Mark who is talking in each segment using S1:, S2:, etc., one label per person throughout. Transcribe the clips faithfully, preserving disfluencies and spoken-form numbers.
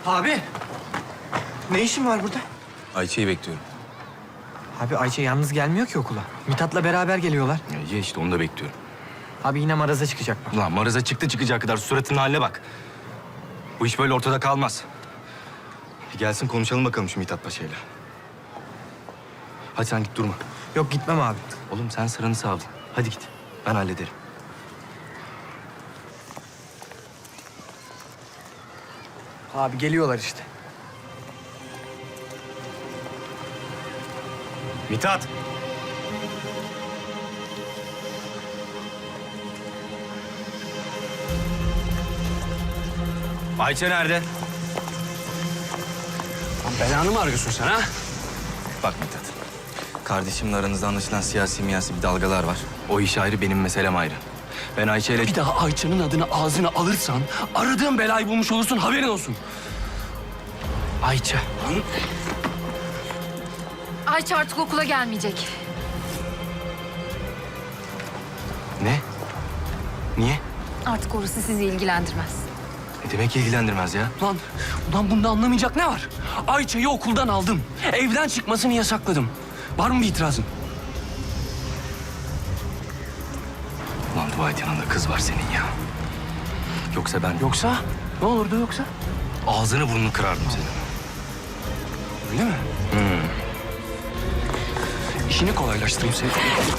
S1: Abi. Ne işin var burada?
S2: Ayça'yı bekliyorum.
S1: Abi Ayça yalnız gelmiyor ki okula. Mithat'la beraber geliyorlar.
S2: Ya, ya işte onu da bekliyorum.
S1: Abi yine maraza çıkacak bak.
S2: Ulan Maraz'a çıktı çıkacağı kadar suratının haline bak. Bu iş böyle ortada kalmaz. Bir gelsin konuşalım bakalım şu Mithat Paşa'yla. Hadi sen git durma.
S1: Yok gitmem abi.
S2: Oğlum sen sıranı savdın. Hadi git. Ben hallederim.
S1: Abi geliyorlar işte.
S2: Mithat! Ayça nerede?
S3: Lan belanı mı arıyorsun sen ha?
S2: Bak Mithat. Kardeşimle aranızda anlaşılan siyasi miyasi bir dalgalar var. O iş ayrı, benim meselem ayrı. Ben Ayça ile...
S3: Bir daha Ayça'nın adını ağzına alırsan aradığın belayı bulmuş olursun, haberin olsun.
S1: Ayça.
S4: Ayça artık okula gelmeyecek.
S2: Ne? Niye?
S4: Artık orası sizi ilgilendirmez.
S2: Ne demek ilgilendirmez ya?
S3: Ulan, ulan bunda anlamayacak ne var? Ayça'yı okuldan aldım. Evden çıkmasını yasakladım. Var mı bir itirazın?
S2: Ulan dua et yanında kız var senin ya. Yoksa ben...
S3: Yoksa? Ne olurdu yoksa?
S2: Ağzını burnunu kırardım senin.
S3: Öyle mi?
S2: Hmm.
S3: İşini kolaylaştırayım seni.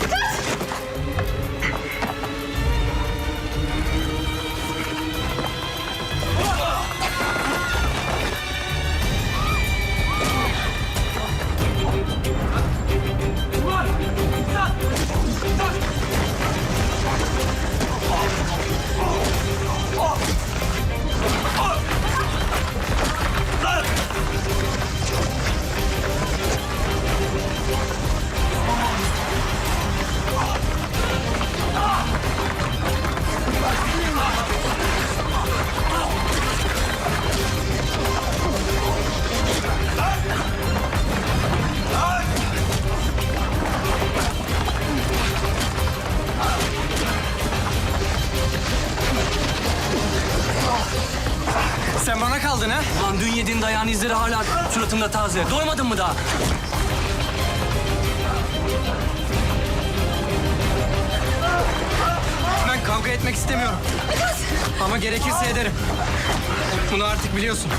S1: Sen bana kaldın ha?
S3: Ulan dün yediğin dayağın izleri hala suratımda taze. Doymadın mı daha?
S1: Ben kavga etmek istemiyorum. Ama gerekirse ederim. Bunu artık biliyorsun.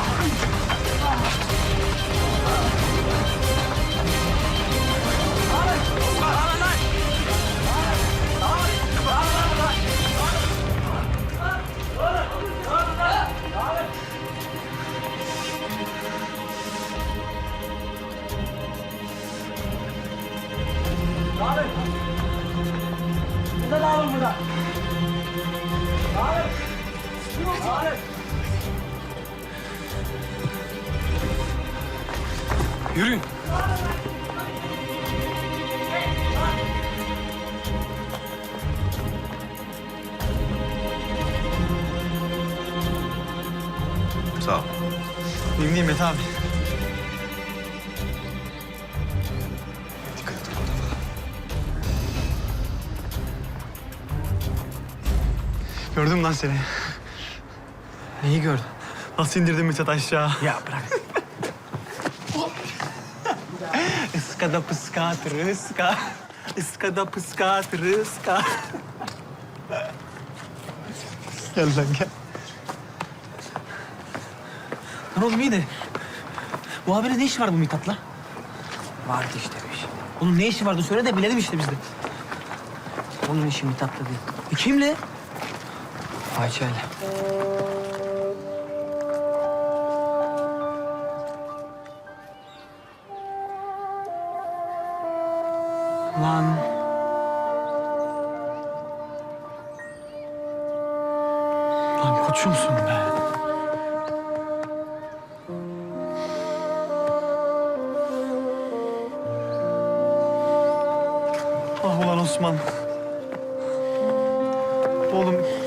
S3: Yürüyün.
S2: Sağ ol.
S1: Benim Nimet abi.
S2: Dikkat et orada falan.
S5: Gördüm lan seni.
S1: Neyi gördün?
S5: Nasıl indirdim Mithat aşağı?
S1: Ya bırak.
S5: Iskada pıskat rıska. Iskada pıskat rıska. Gel lan gel.
S1: Lan oğlum iyi de. Bu haberde ne işi var bu Mithat'la? Vardı işte bir şey. Onun ne işi vardı söyle de bilelim işte biz de. Onun işi Mithat'la değil. E kimle? Ayça'yla. Lan.
S5: Lan koçumsun be. Ah ulan Osman. Oğlum